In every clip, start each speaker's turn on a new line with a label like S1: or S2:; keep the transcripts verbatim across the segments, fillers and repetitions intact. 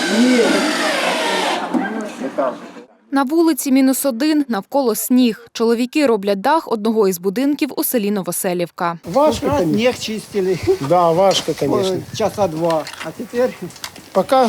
S1: На вулиці мінус один, навколо сніг. Чоловіки роблять дах одного із будинків у селі Новоселівка.
S2: Важко,
S3: Раз
S2: конечно.
S3: снег чистили,
S2: Да, важко, конечно.
S3: часа два, а теперь
S2: Пока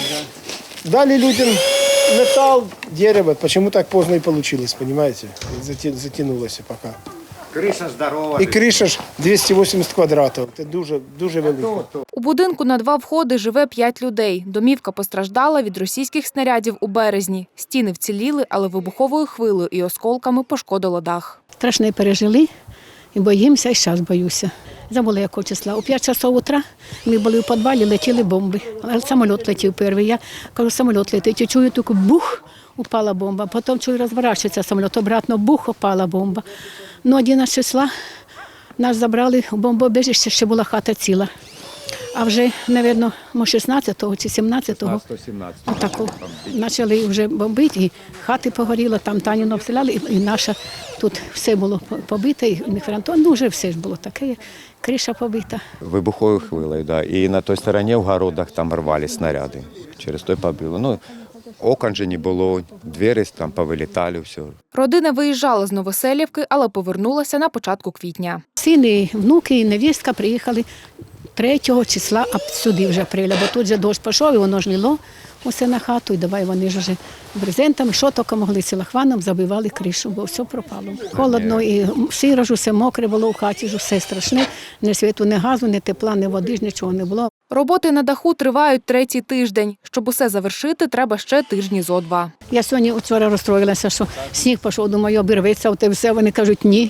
S2: дали людям металл, дерево, почему так поздно и получилось, понимаете? Зати- Затянулось пока.
S3: крыша здорова.
S2: І криша ж двісті вісімдесят квадратів. Це дуже, дуже велико.
S1: У будинку на два входи живе п'ять людей. Домівка постраждала від російських снарядів у березні. Стіни вціліли, але вибуховою хвилею і осколками пошкодило дах.
S4: Страшне пережили і боїмося, і зараз боюся. Забула якого числа. У п'ять часов утра ми були в підвалі, летіли бомби. Але самоліт летів перший. Я кажу, самоліт летить. І чую тільки бух, упала бомба. Потім чую, розворачується самоліт, обратно бух, упала бомба. Ну, одинадцятого числа нас забрали у бомбоубіжище, ще була хата ціла. А вже, мабуть, шістнадцятого чи сімнадцятого отаку почали вже бомбити, і хати погоріли, там Таніну обстріляли, і, і наша тут все було побите, і мікрофронтон, ну вже все ж було таке, криша побита.
S5: Вибуховою хвилею, да. І на той стороні в городах там рвали снаряди. Через той побило. Ну, окон же не було, двері там повилітали, все.
S1: Родина виїжджала з Новоселівки, але повернулася на початку квітня.
S4: Сини, внуки і невістка приїхали третього числа, а сюди вже апреля, бо тут же дощ пішов, і воно ж лило усе на хату, і давай вони ж вже брезентами, що тільки могли, силахваном забивали кришу, бо все пропало. Холодно, і сиро ж, усе мокре було в хаті, ж усе страшне, ні світу, ні газу, ні тепла, ні води, ж нічого не було.
S1: Роботи на даху тривають третій тиждень. Щоб усе завершити, треба ще тижні зо два.
S4: Я сьогодні вчора розстроїлася, що сніг пішов, думаю, обірветься, от і все, вони кажуть, ні.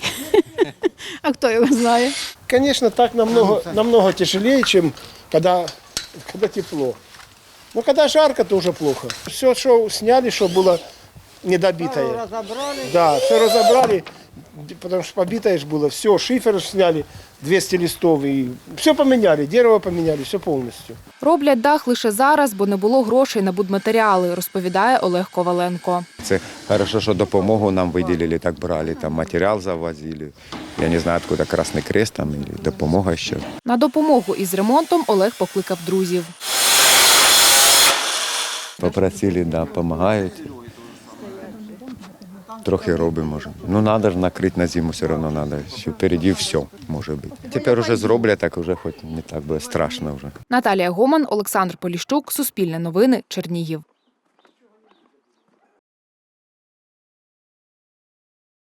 S4: А хто його знає?
S2: Конечно, так намного, намного тяжелее, чем когда, когда тепло. Но когда жарко, то уже плохо. Все, что сняли, что было недобитое.
S3: разобрали.
S2: Да, все разобрали, потому что побитое же было. Все, шифер сняли, двести листов, и все поменяли, дерево поменяли, все полностью.
S1: Роблять дах лише зараз, бо не було грошей на будматеріали, розповідає Олег Коваленко.
S5: Це хорошо, що допомогу нам виділили, так брали, там матеріал завозили. Я не знаю, откуда Красний Крест там, і допомога ще.
S1: На допомогу із ремонтом Олег покликав друзів.
S5: Попросили, да, допомагають. Трохи робимо, може. Ну, треба ж накрити на зиму, все одно треба. Що впереді все може бути. Тепер вже зроблять, так вже хоч не так буде страшно вже.
S1: Наталія Гоман, Олександр Поліщук, Суспільне новини, Чернігів.